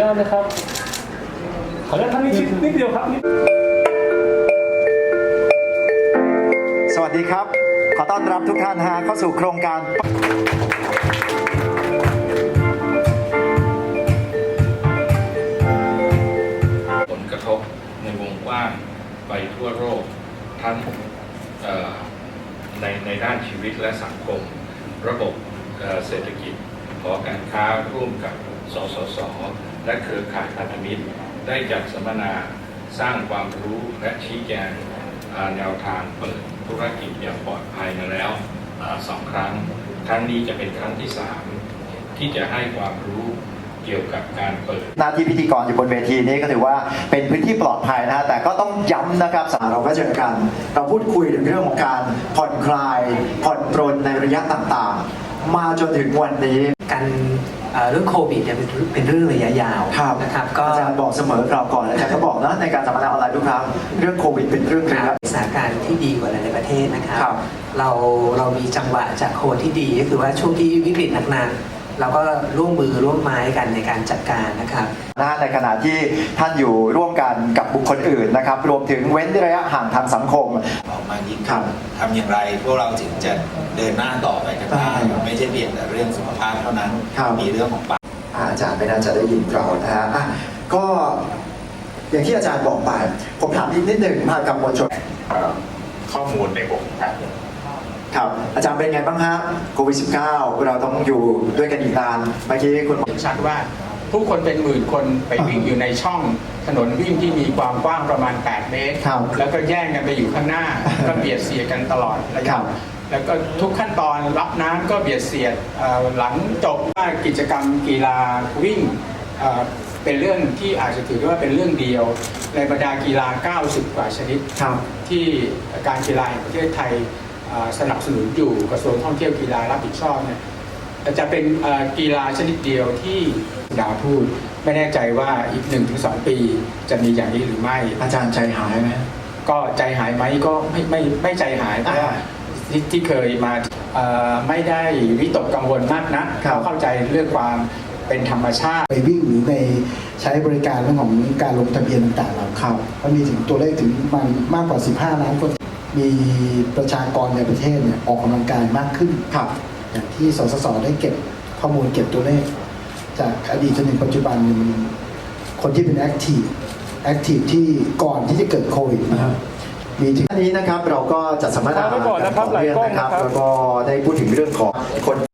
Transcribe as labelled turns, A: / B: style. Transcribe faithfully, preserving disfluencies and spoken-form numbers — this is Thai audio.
A: าตนะครับขออนุญาตท่านนิดนิดเดียวครับ
B: สวัสดีครับขอต้อนรับทุกท่านฮะเข้าสู่โครงการ
C: ผลกระทบในวงกว้างไปทั่วโลกทั้งในในด้านชีวิตและสังคมระบบเศรษฐกิจหอการค้าร่วมกับสสสและเครือข่ายพันธมิตรได้จัดสัมมนาสร้างความรู้และชี้แจงแนวทางเปิดธุรกิจอย่างปลอดภัยมาแล้วสองครั้งครั้งนี้จะเป็นครั้งที่สามที่จะให้ความรู้เกี่ยวกับการเปิด
B: หน้าที่พิธีกรอยู่บนเวทีนี้ก็ถือว่าเป็นพื้นที่ปลอดภัยนะฮะแต่ก็ต้องย้ำนะครับสาเราก็เจอกันเราพูดคุยถึงเรื่องของการผ่อนคลายผ่อนปรนในระยะต่างๆมาจนถึงวันนี้
D: การเรื่องโควิดเนี่ยเป็นเรื่องระยะยาวนะครับก็
B: อาจารย์บอกเสมอเราก่อนอาจารย์ก็บอกนะในการสัมมนาออนไลน์ทุกครั้งเรื่องโควิดเป็นเรื่องระยะ
D: สถานการณ์ที่ดีกว่าในประเทศนะครับเราเรามีจังหวะจากโคที่ดีก็คือว่าช่วงที่วิกฤตหนักๆเราก็ร่วมมือร่วมไม้กันในการจัดการนะครับ
B: ในขณะที่ท่านอยู่ร่วมกันกับบุคคลอื่นนะครับรวมถึงเว้นระยะห่างทางสังคม
E: ออกมายิ่งขึ้นทำอย่างไรพวกเราถึงจะเดินหน้าต่อไปกันได้ไม่ใช่เพียงแต่เรื่องสุขภาพเท่านั้นมีเรื่องของปาก
B: อาจารย์ไม่น่าจะได้ยินเรานะฮะก็อย่างที่อาจารย์บอกไปผมถามอีกนิดหนึ่งมากับมวลชน
E: ข้อมูลในวงการ
B: ครับอาจารย์เป็นไงบ้างฮะโควิด สิบเก้า เราต้องอยู่ด้วยกันอีกนานเมื่อกี้คุณ
F: ชัดว่าผู้คนเป็นหมื่นคนไปวิ่งอยู่ในช่องถนนวิ่งที่มีความกว้างประมาณแปดเมตรแล้วก็แย่งกันไปอยู่ข้างหน้าก็เบียดเสียดกันตลอดระยะแล้วก็ทุกขั้นตอนรับน้ำก็เบียดเสียดหลังจบกิจกรรมกีฬาวิ่งเป็นเรื่องที่อาจจะถือว่าเป็นเรื่องเดียวในบรรดากีฬาเก้าสิบกว่าชนิดที่การกีฬาแห่งประเทศไทยสนับสนุนอยู่กระทรวงท่องเที่ยวกีฬารับผิดชอบเนี่ยจะเป็นกีฬาชนิดเดียวที่ดาวพูดไม่แน่ใจว่าอีก หนึ่งถึงสอง ปีจะมีอย่างนี้หรือไม่
B: อาจารย์ใจหายไหม
F: ก็ใจหายไหมก็ไม่ไม่ไม่ใจหายเพราะว่าที่ที่เคยมาไม่ได้วิตกกังวลมากนะเข้าใจเรื่องความเป็นธรรมชาติ
G: ไปวิ่งหรือในใช้บริการเรื่องของการลงทะเบียนต่างๆเราครับมันมีถึงตัวเลขถึงมันมากกว่าสิบห้าล้านคนมีประชากรในประเทศเนี่ยออกกำลังกายมากขึ้นครับอย่างที่สสสได้เก็บข้อมูลเก็บตัวเลขจากอดีตจนถึงปัจจุบันมันคนที่เป็นแอคทีฟแอคทีฟที่ก่อนที่จะเกิดโควิดนะครับ
B: มีถึงนี้นะครับเราก็จัดสัมมนากันต่อเนื่องนะครับแล้วก็ได้พูดถึงเรื่องของคน